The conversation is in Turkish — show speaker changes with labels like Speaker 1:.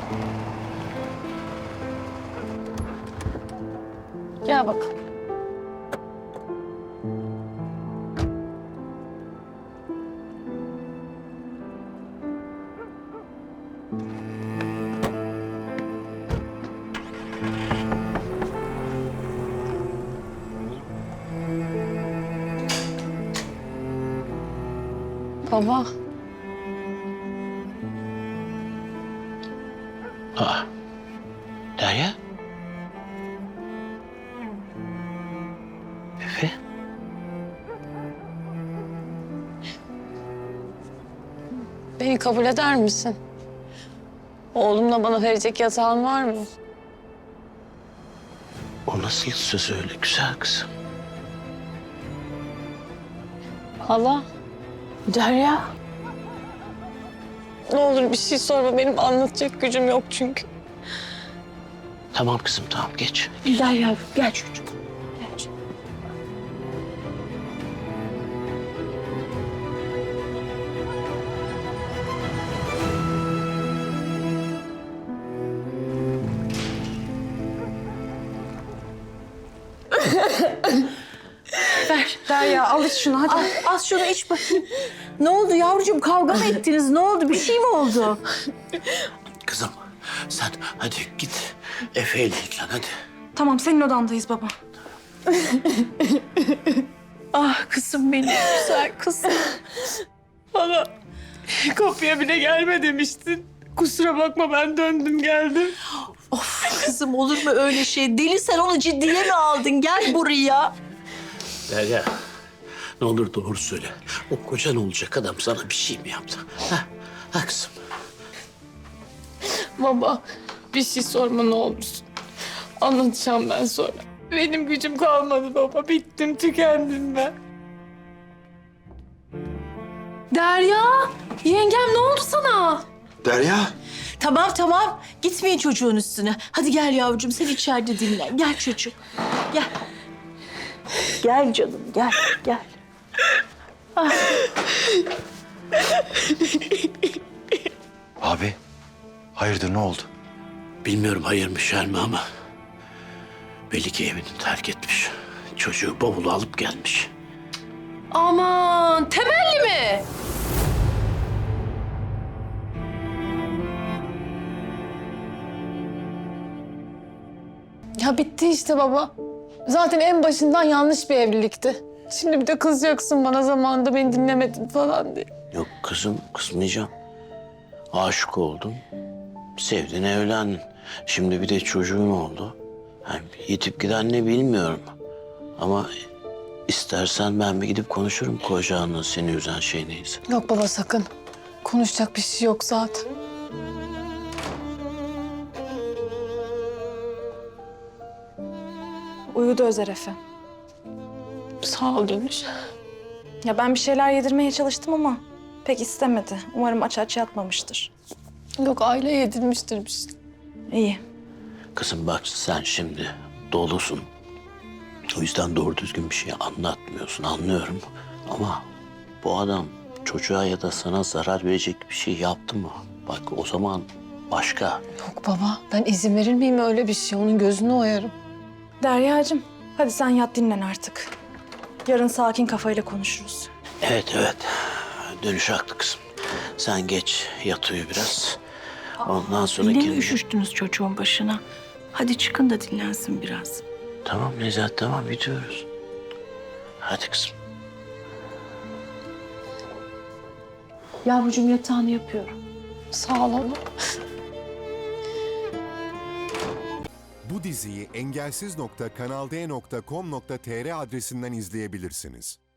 Speaker 1: Gel bakalım. Baba.
Speaker 2: Aa, Derya? Efe?
Speaker 1: Beni kabul eder misin? Oğlumla bana verecek yatağın var mı?
Speaker 2: O nasıl söz öyle güzel kızım?
Speaker 1: Hala.
Speaker 3: Derya.
Speaker 1: Ne olur bir şey sorma. Benim anlatacak gücüm yok çünkü.
Speaker 2: Tamam kızım tamam geç.
Speaker 3: Derya gel çocuğum. Gel çocuğum. Ver Derya al iç şunu hadi. Al şunu iç bakayım. Ne oldu yavrucuğum, kavga mı ettiniz? Ne oldu, bir şey mi oldu?
Speaker 2: Kızım sen hadi git Efe ile ilgilen hadi.
Speaker 3: Tamam, senin odandayız baba. Ah kızım benim, güzel kızım.
Speaker 1: Hala. Kapıya bile gelme demiştin. Kusura bakma ben döndüm geldim.
Speaker 3: Of kızım, olur mu öyle şey? Deli, sen onu ciddiye mi aldın? Gel buraya.
Speaker 2: Derya ne olur doğru söyle. O kocan olacak adam sana bir şey mi yaptı? Ha kızım.
Speaker 1: Baba bir şey sorma ne olursun. Anlatacağım ben sonra. Benim gücüm kalmadı baba. Bittim, tükendim ben.
Speaker 3: Derya, yengem ne oldu sana?
Speaker 4: Derya.
Speaker 3: Tamam tamam, gitmeyin çocuğun üstüne. Hadi gel yavrucuğum, sen içeride dinlen. Gel çocuğum, gel. Gel canım, gel, gel. Ah.
Speaker 4: Abi, hayırdır ne oldu?
Speaker 2: Bilmiyorum hayır mı şer mi ama belli ki evini terk etmiş. Çocuğu bavulu alıp gelmiş.
Speaker 3: Aman, temelli mi?
Speaker 1: Ya bitti işte baba. Zaten en başından yanlış bir evlilikti. Şimdi bir de kızacaksın bana zamanında beni dinlemedin falan diye.
Speaker 2: Yok kızım kızmayacağım. Aşık oldun. Sevdin evlendin. Şimdi bir de çocuğun oldu. Yani yitip giden ne bilmiyorum. Ama istersen ben bir gidip konuşurum kocanla seni üzen şey neyse.
Speaker 1: Yok baba sakın. Konuşacak bir şey yok zaten.
Speaker 5: Uyudu Özer Efe.
Speaker 1: Sağ ol Dönüş.
Speaker 5: Ya ben bir şeyler yedirmeye çalıştım ama pek istemedi. Umarım aç aç yatmamıştır.
Speaker 1: Yok aile yedirmiştir bir şey.
Speaker 5: İyi.
Speaker 2: Kızım bak sen şimdi dolusun. O yüzden doğru düzgün bir şey anlatmıyorsun anlıyorum. Ama bu adam çocuğa ya da sana zarar verecek bir şey yaptı mı? Bak o zaman başka.
Speaker 1: Yok baba ben izin verir miyim öyle bir şey? Onun gözünü oyarım.
Speaker 5: Deryacığım, hadi sen yat dinlen artık. Yarın sakin kafayla konuşuruz.
Speaker 2: Evet evet. Dönüş haklı kızım. Sen geç yat uyu biraz. Ondan sonra
Speaker 3: Yine mi
Speaker 2: kendine...
Speaker 3: üşüştünüz çocuğun başına? Hadi çıkın da dinlensin biraz.
Speaker 2: Tamam Nezahat tamam gidiyoruz. Hadi kızım.
Speaker 3: Yavrucuğum yatağını yapıyorum.
Speaker 1: Sağ ol baba.
Speaker 6: Bu diziyi engelsiz.kanalde.com.tr adresinden izleyebilirsiniz.